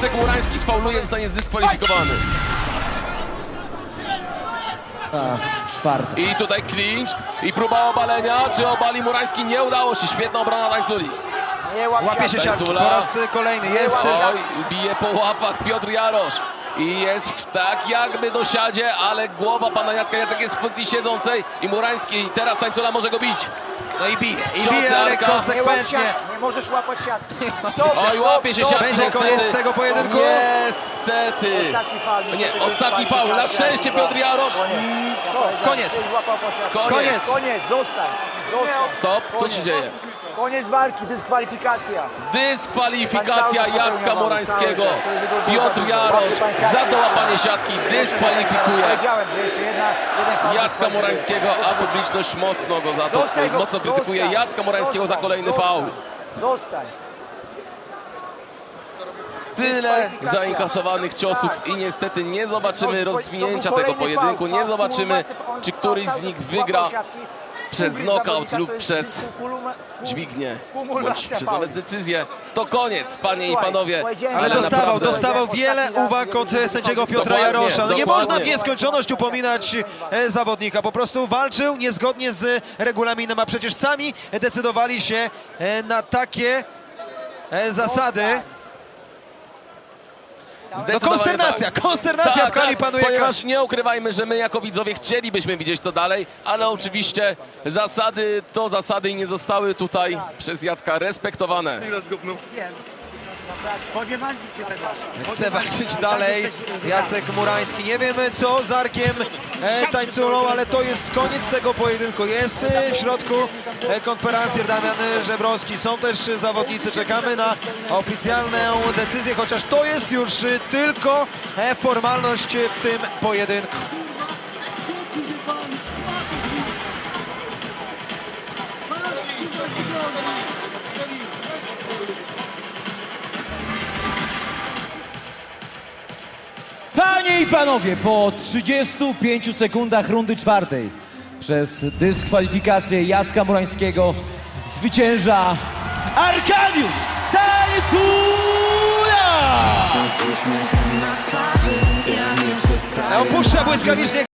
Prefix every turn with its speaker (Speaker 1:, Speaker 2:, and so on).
Speaker 1: Jacek Murański sfauluje, zostanie zdyskwalifikowany.
Speaker 2: Czwarty.
Speaker 1: I tutaj clinch i próba obalenia. Czy obali Murański? Nie udało się. Świetna obrona Tańculi.
Speaker 3: Łapie się siatki po
Speaker 1: Tańcula.
Speaker 3: raz kolejny. Jest
Speaker 1: Oj, bije po łapach Piotr Jarosz. I jest tak jakby do siadzie, ale głowa pana Jacka. Jacek jest w pozycji siedzącej i Murański. I teraz Tańcula może go bić.
Speaker 3: no i bije,
Speaker 1: Ciosy
Speaker 3: ale
Speaker 1: Arka.
Speaker 3: konsekwentnie.
Speaker 4: Nie możesz łapać siatki. Stop,
Speaker 1: Oj, łapie się siatki.
Speaker 3: Będzie
Speaker 1: niestety.
Speaker 3: koniec tego pojedynku.
Speaker 1: Niestety.
Speaker 4: Ostatni faul, niestety,
Speaker 1: Nie, ostatni faul. Na szczęście Piotr Jarosz.
Speaker 3: Koniec.
Speaker 1: Koniec.
Speaker 4: Koniec, zostań.
Speaker 1: Stop. Co się dzieje?
Speaker 4: Koniec walki, dyskwalifikacja.
Speaker 1: Dyskwalifikacja Jacka Murańskiego. Piotr Jarosz za dołapanie siatki dyskwalifikuje
Speaker 4: Powiedziałem, że jeszcze jeden faul
Speaker 1: Jacka Murańskiego, a publiczność mocno go za to,
Speaker 4: Zostań go,
Speaker 1: mocno krytykuje
Speaker 4: zostań,
Speaker 1: Jacka Murańskiego za
Speaker 4: zostań,
Speaker 1: kolejny
Speaker 4: zostań.
Speaker 1: faul.
Speaker 4: Zostań.
Speaker 1: Tyle zainkasowanych ciosów i niestety nie zobaczymy rozwinięcia tego pojedynku. Nie zobaczymy, czy któryś z nich wygra przez knockout lub przez dźwignię, bądź przez nawet decyzję. To koniec, panie i panowie.
Speaker 3: Ale
Speaker 1: naprawdę
Speaker 3: dostawał wiele uwag od sędziego Piotra
Speaker 1: Dokładnie,
Speaker 3: Jarosza. No nie
Speaker 1: dokładnie.
Speaker 3: można w nieskończoność upominać zawodnika. Po prostu walczył niezgodnie z regulaminem, a przecież sami decydowali się na takie zasady. No
Speaker 1: Zdecydowanie
Speaker 3: konsternacja
Speaker 1: tak,
Speaker 3: w hali
Speaker 1: tak,
Speaker 3: panuje.
Speaker 1: ponieważ nie ukrywajmy, że my jako widzowie chcielibyśmy widzieć to dalej, ale oczywiście zasady to zasady i nie zostały tutaj przez Jacka respektowane.
Speaker 4: Spodziewali się tego.
Speaker 3: Chce walczyć dalej Jacek Murański. Nie wiemy co z Arkiem Tańculą, ale to jest koniec tego pojedynku. Jest w środku konferencjer Damian Żebrowski. Są też zawodnicy. Czekamy na oficjalną decyzję, chociaż to jest już tylko formalność w tym pojedynku.
Speaker 2: Panie i panowie, po 35 sekundach rundy czwartej przez dyskwalifikację Jacka Murańskiego zwycięża Arkadiusz Tańcula!
Speaker 3: Opuszcza błyskawicznie